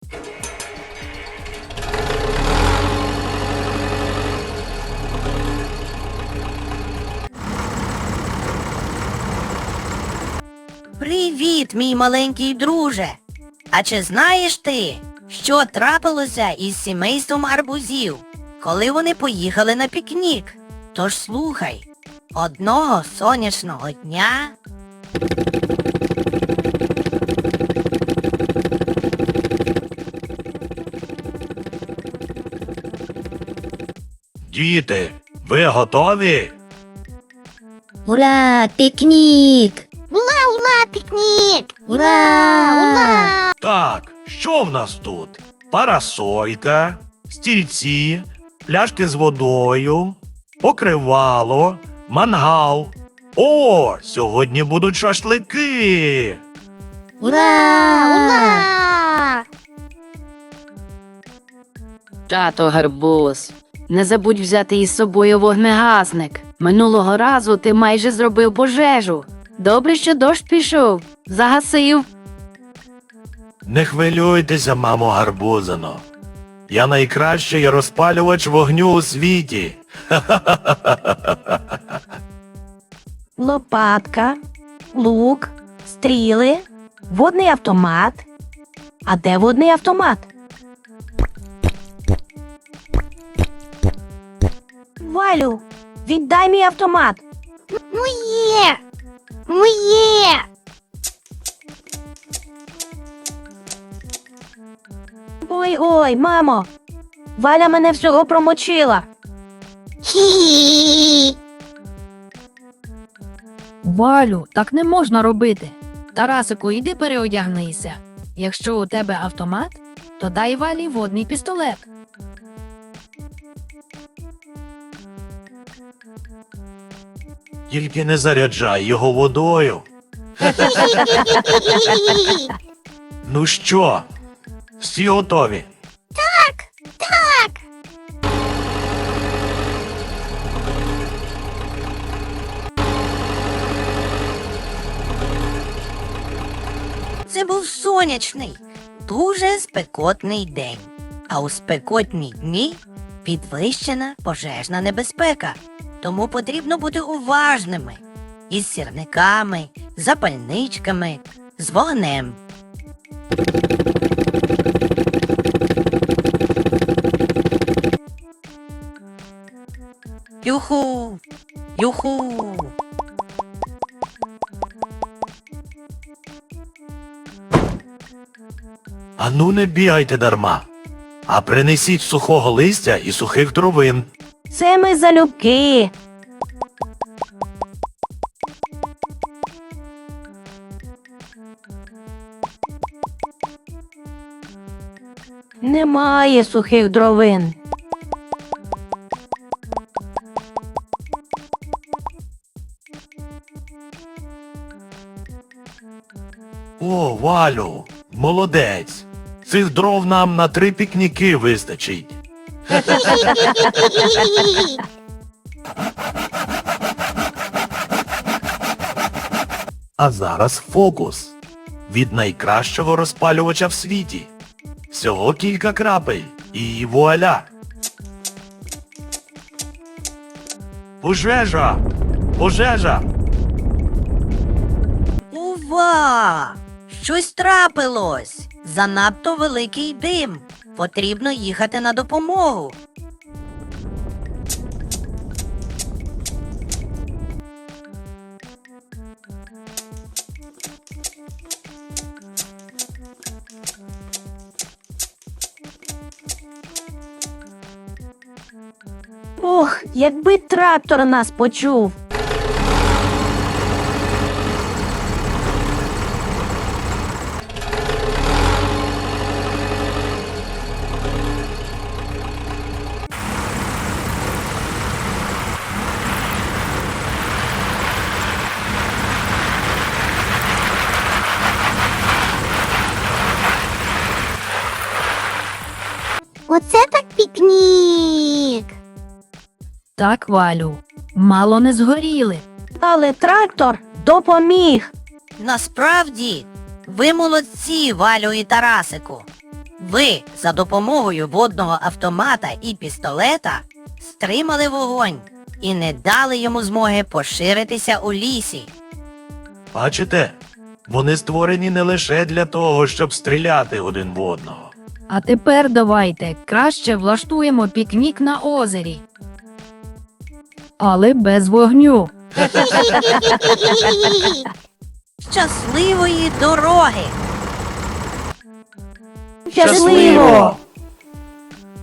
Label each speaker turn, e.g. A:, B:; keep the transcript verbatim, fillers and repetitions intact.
A: Привіт, мій маленький друже! А чи знаєш ти, що трапилося із сімейством гарбузів, коли вони поїхали на пікнік? Тож слухай, одного сонячного дня...
B: Діти, ви готові?
C: Ура, пікнік!
D: Ура, ура, пікнік!
C: Ура!
B: Так, що в нас тут? Парасолька, стільці, пляшки з водою, покривало, мангал. О, сьогодні будуть шашлики!
C: Ура!
D: Ура!
E: Тато Гарбуз, не забудь взяти із собою вогнегасник. Минулого разу ти майже зробив пожежу. Добре, що дощ пішов. Загасив.
B: Не хвилюйтеся, мамо Гарбузино. Я найкращий розпалювач вогню у світі.
F: Лопатка, лук, стріли, водний автомат. А де водний автомат? Валю, віддай мій автомат.
D: Моє! Моє!
F: Ой-ой, мамо, Валя мене всього промочила.
D: Хі-хі-хі!
E: Валю, так не можна робити. Тарасику, іди переодягнися. Якщо у тебе автомат, то дай Валі водний пістолет.
B: Тільки не заряджай його водою. Ну що, всі готові?
D: Так!
A: Це був сонячний, дуже спекотний день. А у спекотні дні підвищена пожежна небезпека. Тому потрібно бути уважними із сірниками, запальничками, з вогнем. Юху! Юху!
B: Ану не бігайте дарма, а принесіть сухого листя і сухих травин.
F: Це ми залюбки. Немає сухих дровин.
B: О, Валю, молодець. Цих дров нам на три пікніки вистачить. А зараз фокус. Від найкращого розпалювача в світі. Всього кілька крапель. І вуаля. Пожежа! Пожежа!
A: Ува! Щось трапилось! Занадто великий дим. Потрібно їхати на допомогу.
F: Ох, якби трактор нас почув.
D: Оце так пікнік!
E: Так, Валю, мало не згоріли.
F: Але трактор допоміг.
A: Насправді, ви молодці, Валю і Тарасику. Ви за допомогою водного автомата і пістолета стримали вогонь і не дали йому змоги поширитися у лісі.
B: Бачите? Вони створені не лише для того, щоб стріляти один в одного.
E: А тепер давайте краще влаштуємо пікнік на озері. Але без вогню.
A: Щасливої дороги!
F: Щасливо!